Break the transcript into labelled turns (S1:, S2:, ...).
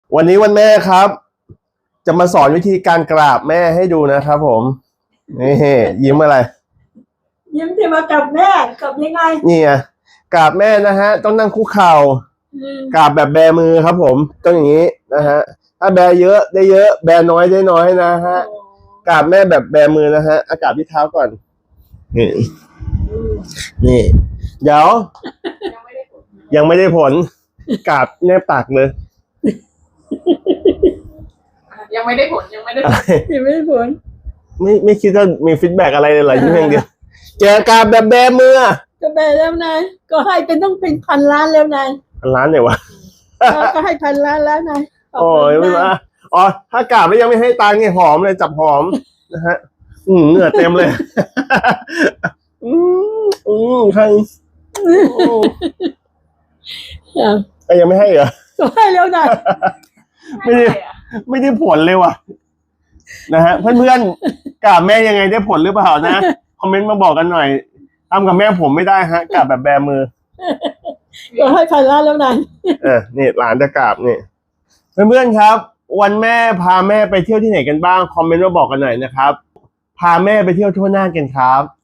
S1: วันนี้วันแม่ครับ จะมาสอนวิธีการกราบแม่ให้ดูนะครับผมนี่ยิ้มอะไร
S2: ยิ้มที่มากับแม่กับยังไง
S1: นี่ไงกราบแม่นะฮะต้องนั่งคุกเข่ากราบแบบแบมือครับผมต้องอย่างนี้นะฮะถ้าแบเยอะได้เยอะแบน้อยได้น้อยนะฮะกราบแม่แบบแบมือนะฮะกราบที่เท้าก่อนนี่เดี๋ยวยังไม่ได้ผลกราบแนบปากเลย
S3: ยังไม่ได้ผลยังไม่ได้
S2: ผล
S1: ไม่คิดว่ามีฟีดแบ็กอะไรเลยเหรอยิ่งเดียวเจอกราบแบบแบมือ
S2: ก็แบแล้วนายก็ให้เป็นต้องเป็นพันล้านแล้วนาย
S1: 1,000,000เนี่ยวะ
S2: ก็ให้พันล้านแล้วนาย
S1: โอ้ยไม่ว่าอ๋อถ้ากราบแล้วยังไม่ให้ตังค์เนี่ยหอมเลยจับหอมนะฮะเหงื่อเต็มเลยใครยังไม่ให้เหรอ
S2: ก็ให้แล้วนาย
S1: ไม่ได้ผลเลยว่ะนะฮะเพื่อนๆกราบแม่ยังไงได้ผลหรือเปล่านะคอมเมนต์มาบอกกันหน่อยทำกับแม่ผมไม่ได้ฮะกราบแบบแบมือ
S2: ก็ให้พันล้านแล้วนาย
S1: นี่หลานจะกราบนี่เพื่อนๆครับวันแม่พาแม่ไปเที่ยวที่ไหนกันบ้างคอมเมนต์มาบอกกันหน่อยนะครับพาแม่ไปเที่ยวทั่วหน้ากันครับ